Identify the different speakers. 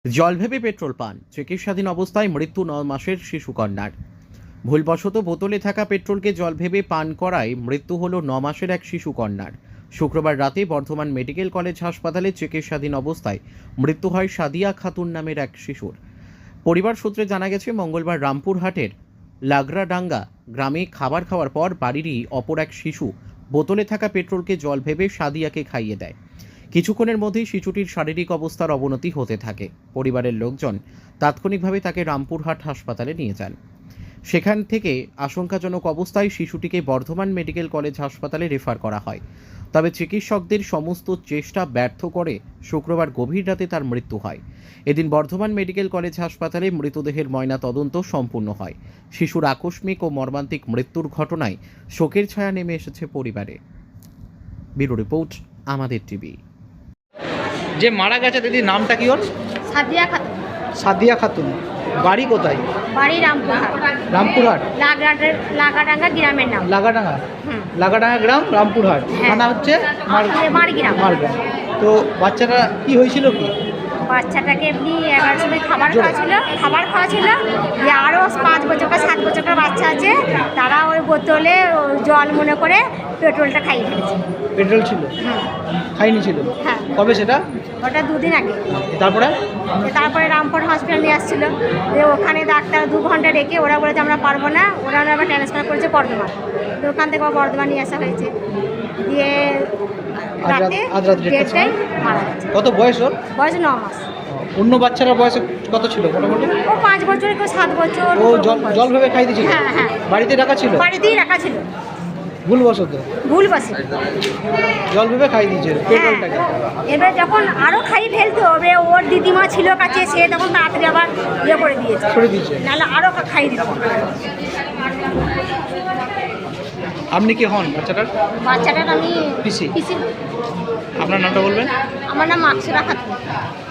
Speaker 1: জল ভেবে পেট্রোল পান, চিকিৎসাধীন অবস্থায় মৃত্যু 9 মাসের শিশু কন্যার। ভুলবশত বোতলে থাকা পেট্রোলকে জল ভেবে পান করায় মৃত্যু হলো 9 মাসের এক শিশু কন্যার। শুক্রবার রাতে বর্ধমান মেডিকেল কলেজ হাসপাতালে চিকিৎসাধীন অবস্থায় মৃত্যু হয় সাদিয়া খাতুন নামের এক শিশুর। পরিবার সূত্রে জানা গেছে, মঙ্গলবার রামপুরহাটের লাগরাডাঙ্গা গ্রামে খাবার খাওয়ার পর বাড়িরই অপর এক শিশু বোতলে থাকা পেট্রোলকে জল ভেবে সাদিয়াকে খাইয়ে দেয়। কিছুক্ষণের মধ্যেই শিশুটির শারীরিক অবস্থার অবনতি হতে থাকে। পরিবারের লোকজন তাৎক্ষণিকভাবে তাকে রামপুরহাট হাসপাতালে নিয়ে যান। সেখান থেকে আশঙ্কাজনক অবস্থায় শিশুটিকে বর্ধমান মেডিকেল কলেজ হাসপাতালে রেফার করা হয়। তবে চিকিৎসকদের সমস্ত চেষ্টা ব্যর্থ করে শুক্রবার গভীর রাতে তার মৃত্যু হয়। এদিন বর্ধমান মেডিকেল কলেজ হাসপাতালে মৃতদেহের ময়না তদন্ত সম্পূর্ণ হয়। শিশুর আকস্মিক ও মর্মান্তিক মৃত্যুর ঘটনায় শোকের ছায়া নেমে এসেছে পরিবারে। ব্যুরো রিপোর্ট, আমাদের টিভি।
Speaker 2: যে মারা গেছে দিদির নামটা কি ওর?
Speaker 3: সাদিয়া খাতুন।
Speaker 2: সাদিয়া খাতুন। বাড়ি কোথায়?
Speaker 3: বাড়ি রামপুরহাট।
Speaker 2: রামপুরহাট।
Speaker 3: লাগাডাঙ্গা গ্রামের নাম।
Speaker 2: লাগাডাঙ্গা।
Speaker 3: হুম।
Speaker 2: লাগাডাঙ্গা গ্রাম, রামপুরহাট।
Speaker 3: হ্যাঁ।
Speaker 2: থানা হচ্ছে
Speaker 3: মারগ্রাম।
Speaker 2: মারগ্রাম। তো বাচ্চাটা কি হয়েছিল কি?
Speaker 3: বাচ্চাটাকে এমনি 11 সময় খাবার খাওয়া ছিল। যে আরও 5 বছর 7 বছরের বাচ্চা আছে, তারা ওই বোতলে জল মনে করে পেট্রোলটা খাইয়ে ফেলেছে।
Speaker 2: পেট্রোল ছিল? খাইনি ছিল?
Speaker 3: হ্যাঁ।
Speaker 2: কবে সেটা?
Speaker 3: ওটা 2 দিন আগে।
Speaker 2: তারপরে
Speaker 3: রামপুর হসপিটাল নিয়ে আসছিল। যে ওখানে ডাক্তার 2 ঘন্টা রেখে ওরা বলেছে আমরা পারবো না, ওরা আবার ট্রান্সফার করেছে বর্ধমান। তো ওখান থেকে বর্ধমান নিয়ে আসা হয়েছে। দিয়ে
Speaker 2: আজ রাত
Speaker 3: 1:30টায় মারা গেছে।
Speaker 2: কত বয়স ওর?
Speaker 3: বয়স 9 মাস।
Speaker 2: অন্য বাচ্চারা বয়স কত ছিল মোটামুটি?
Speaker 3: ও 5 বছর, কেউ 7 বছর।
Speaker 2: ও জল ভেবে খাই দিয়েছিল?
Speaker 3: হ্যাঁ।
Speaker 2: বাড়িতে রাখা ছিল?
Speaker 3: বাড়িতেই রাখা ছিল।
Speaker 2: ভুলবশত জল ভেবে খাই দিয়েছে পেট্রোলটাকে।
Speaker 3: এবার যখন আরও খাই ফেলতো, এবার ওর দিদিমা ছিল কাছে, সে তখন তাড়াতাড়ি আবার করে দিয়েছে, নাহলে আরও খাই দিত।
Speaker 2: আপনি কি হন বাচ্চাটার?
Speaker 3: বাচ্চাটার আমি
Speaker 2: পিসি।
Speaker 3: পিসি।
Speaker 2: আপনার নামটা বলবেন?
Speaker 3: আমার নাম আকসুরা খাতুন।